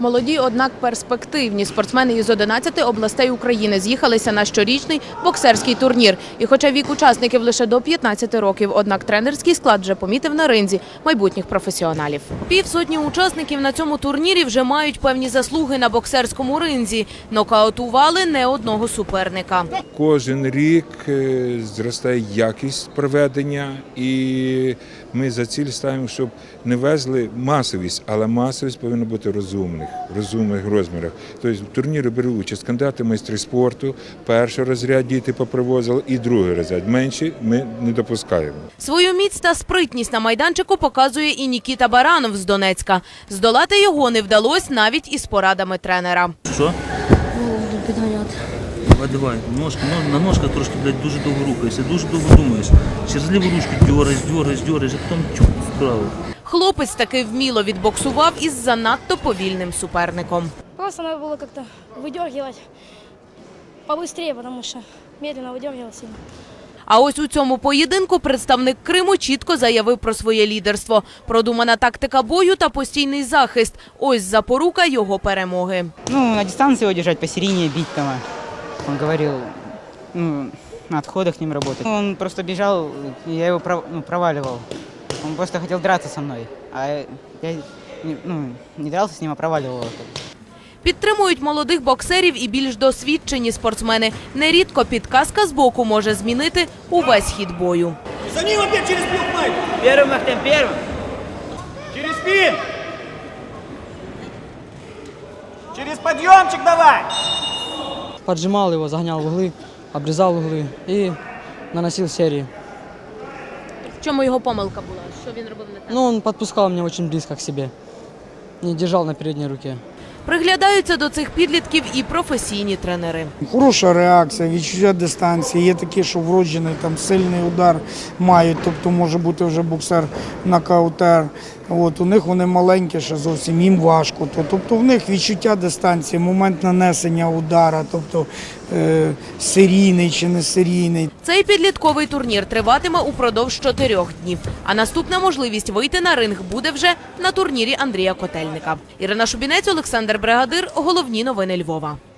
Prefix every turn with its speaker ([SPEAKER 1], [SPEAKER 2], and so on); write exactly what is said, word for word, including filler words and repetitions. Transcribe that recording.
[SPEAKER 1] Молоді, однак перспективні спортсмени із одинадцяти областей України з'їхалися на щорічний боксерський турнір. І хоча вік учасників лише до п'ятнадцяти років, однак тренерський склад вже помітив на ринзі майбутніх професіоналів. Півсотні учасників на цьому турнірі вже мають певні заслуги на боксерському ринзі. Нокаутували не одного суперника.
[SPEAKER 2] Кожен рік зростає якість проведення, і ми за ціль ставимо, щоб не везли масовість, але масовість повинна бути розумних, розумних розмірах. Тобто в турнірі беруть участь кандидати майстри спорту, перший розряд діти попривозили і другий розряд. Менші ми не допускаємо.
[SPEAKER 1] Свою міць та спритність на майданчику показує і Нікіта Баранов з Донецька. Здолати його не вдалося навіть із порадами тренера.
[SPEAKER 3] Що?
[SPEAKER 4] Буду підганяти.
[SPEAKER 3] Давай, давай. Ножка, на ножках трошки, блядь, дуже довго рухаєшся, дуже довго думаєш. Через ліву ручку дьораєш, дьораєш, дьораєш, а потім чук вправо.
[SPEAKER 1] Хлопець таки вміло відбоксував із занадто повільним суперником.
[SPEAKER 4] Просто треба було як-то видергивати побыстрее, тому що медленно видергивав сильно.
[SPEAKER 1] А ось у цьому поєдинку представник Криму чітко заявив про своє лідерство. Продумана тактика бою та постійний захист. Ось запорука його перемоги.
[SPEAKER 5] Ну, на дистанции его держать, посередине бить там. Он говорил, ну, на отходах с ним работать. Он просто бежал, и я его пров, ну, проваливал. Он просто хотел драться со мной, а я ну, не дрался с ним, а проваливал его.
[SPEAKER 1] Підтримують молодих боксерів і більш досвідчені спортсмени. Нерідко підказка з боку може змінити увесь хід бою.
[SPEAKER 6] За ним опять через плюх, Майк!
[SPEAKER 5] Первым, Ахтем, первым!
[SPEAKER 6] Через спин! Через подъемчик давай!
[SPEAKER 7] Поджимал его, загонял в углы, обрезал углы и наносил серии.
[SPEAKER 1] В чому його помилка була? Що він робив не так?
[SPEAKER 7] Но он подпускал меня очень близко к себе, не держал на передней руке.
[SPEAKER 1] Приглядаються до цих підлітків і професійні тренери.
[SPEAKER 8] Хороша реакція, відчуття дистанції. Є такі, що вроджений там сильний удар мають, тобто може бути вже боксер-нокаутер. От, у них вони маленькі, ще зовсім їм важко. Тобто в них відчуття дистанції, момент нанесення удара, тобто е, серійний чи не серійний.
[SPEAKER 1] Цей підлітковий турнір триватиме упродовж чотирьох днів. А наступна можливість вийти на ринг буде вже на турнірі Андрія Котельника. Ірина Шубінець, Олександр Бригадир. Головні новини Львова.